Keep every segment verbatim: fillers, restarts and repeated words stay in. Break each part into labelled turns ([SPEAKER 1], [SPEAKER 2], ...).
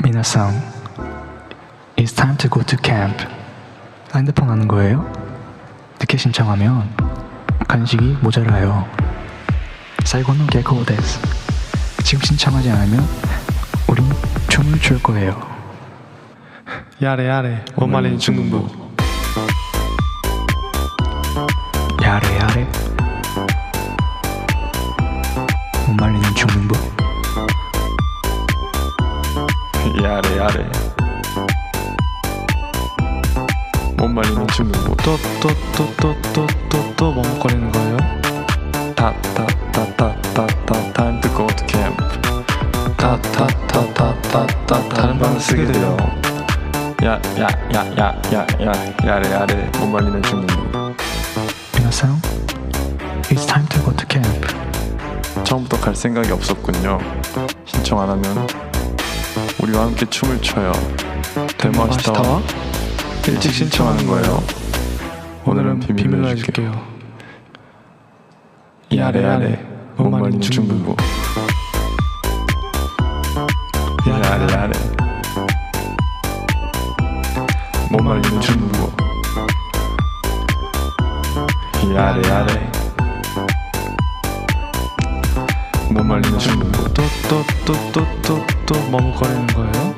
[SPEAKER 1] 미나상, It's time to go to camp. 핸드폰 하는 거예요? 늦게 신청하면 간식이 모자라요. 사이고노 개코 데스. 지금 신청하지 않으면 우린 춤을 출 거예요.
[SPEAKER 2] 야래 야래 못 말리는 중등부.
[SPEAKER 1] 야래 야래 못 말리는 중등부.
[SPEAKER 2] 야래 야래 못 말리는 중등부. 또 또 또 또 또 또 또 머뭇거리는 거예요? 타타타타타타 time to go to camp. 타타타타타타 다른 방을 쓰게 돼요. 야야야야야야 야래 야래 못 말리는 중등부.
[SPEAKER 1] 미나상, It's time to go to camp.
[SPEAKER 2] 처음부터 갈 생각이 없었군요. 신청 안 하면 우리와 함께 춤을 춰요. 데모아시타와 일찍 신청하는 거예요. 오늘은 비밀로 해줄게요. 야래 야래 못 말리는 중등부. 야래 야래 못 말리는 중등부. 야래 야래 못 말리는 중등부. 또 또 또 또 또 또 머뭇거리는 거예요?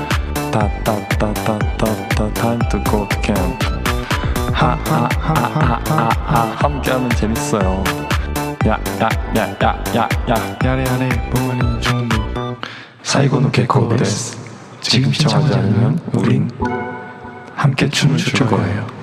[SPEAKER 2] 타타타타타타 time to go to camp. 하하하하하하 함께하면 재밌어요. 야야야야야야 야래 야래 못 말리는 중등부. 사이고노 개코 데스. 지금 신청하지 않으면 우린 함께 춤을 출 거예요.